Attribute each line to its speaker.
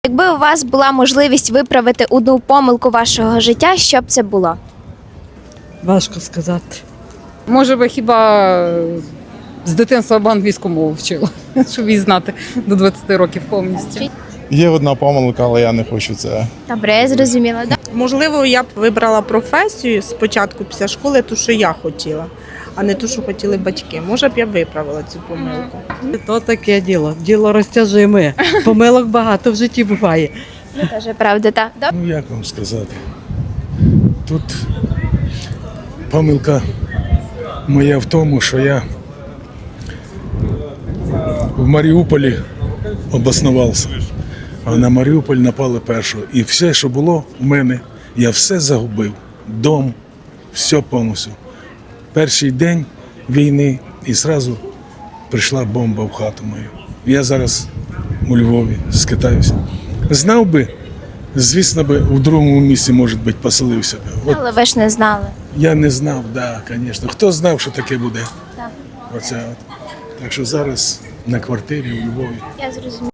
Speaker 1: Якби у вас була можливість виправити одну помилку вашого життя, що б це було?
Speaker 2: Важко сказати.
Speaker 3: Може би хіба з дитинства б англійську мову вчила, щоб її знати до 20 років повністю.
Speaker 4: Є одна помилка, але я не хочу це.
Speaker 1: Добре, я зрозуміла.
Speaker 5: Можливо, я б вибрала професію спочатку після школи, ту, що я хотіла, а не ту, що хотіли батьки. Може б я виправила цю помилку.
Speaker 2: То таке діло. Діло розтяжиме. Помилок багато в житті буває.
Speaker 1: Це теж правда, так. Добре.
Speaker 6: Ну, як вам сказати? Тут помилка моя в тому, що я в Маріуполі обоснувався, а на Маріуполь напали першого. І все, що було в мене, я все загубив. Дом, все повністю. Перший день війни і одразу прийшла бомба в хату мою. Я зараз у Львові скитаюся. Знав би, звісно би, у другому місці, може бути, поселився б. От
Speaker 1: Але ви ж не знали.
Speaker 6: я не знав, да, звісно. Хто знав, що таке буде?
Speaker 1: Так.
Speaker 6: Оце от. Так що зараз на квартирі у Львові.
Speaker 1: Я зрозуміла.